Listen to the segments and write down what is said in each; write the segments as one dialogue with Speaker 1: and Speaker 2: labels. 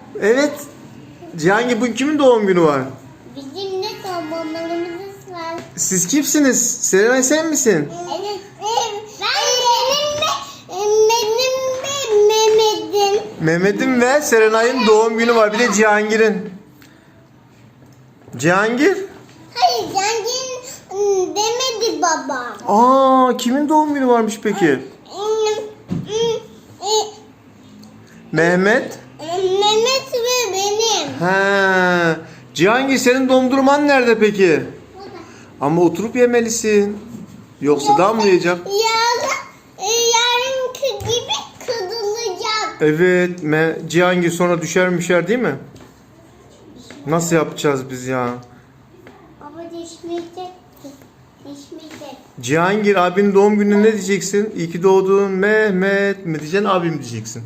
Speaker 1: Evet. Cihangir, bugün kimin doğum günü var?
Speaker 2: Bizim de tomballarımız var.
Speaker 1: Siz kimsiniz? Serenay sen misin?
Speaker 2: Evet. Mehmet'in.
Speaker 1: Mehmet'in ve Serenay'ın doğum günü var. Bir de Cihangir'in. Cihangir?
Speaker 2: Hayır, zengin demedi babam.
Speaker 1: Kimin doğum günü varmış peki? Mehmet.
Speaker 2: Mehmet ve benim.
Speaker 1: He. Cihangir, senin dondurman nerede peki? Ama oturup yemelisin. Yoksa damlayacak.
Speaker 2: Yarınki gibi kırılacak.
Speaker 1: Evet. Cihangir sonra düşer değil mi? Nasıl yapacağız biz ya?
Speaker 2: Ama düşmeyecek. Düşmeyecek.
Speaker 1: Cihangir, abinin doğum gününe ne diyeceksin? İyi ki doğdun Mehmet mi diyeceksin, abim diyeceksin?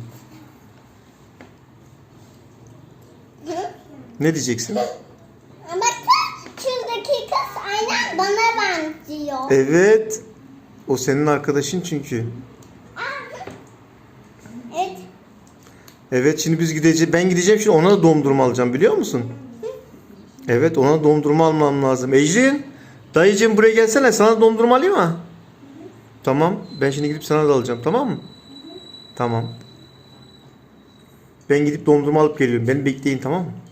Speaker 1: Ne diyeceksin?
Speaker 2: Ama şuradaki kız aynen bana benziyor.
Speaker 1: Evet. O senin arkadaşın çünkü.
Speaker 2: Evet.
Speaker 1: Evet, şimdi biz gideceğiz. Ben gideceğim şimdi, ona da dondurma alacağım, biliyor musun? Evet, ona dondurma almam lazım. Ecrin, dayıcığım buraya gelsene, sana dondurma alayım mı? Tamam, ben şimdi gidip sana da alacağım, tamam mı? Tamam. Ben gidip dondurma alıp geliyorum. Beni bekleyin, tamam mı?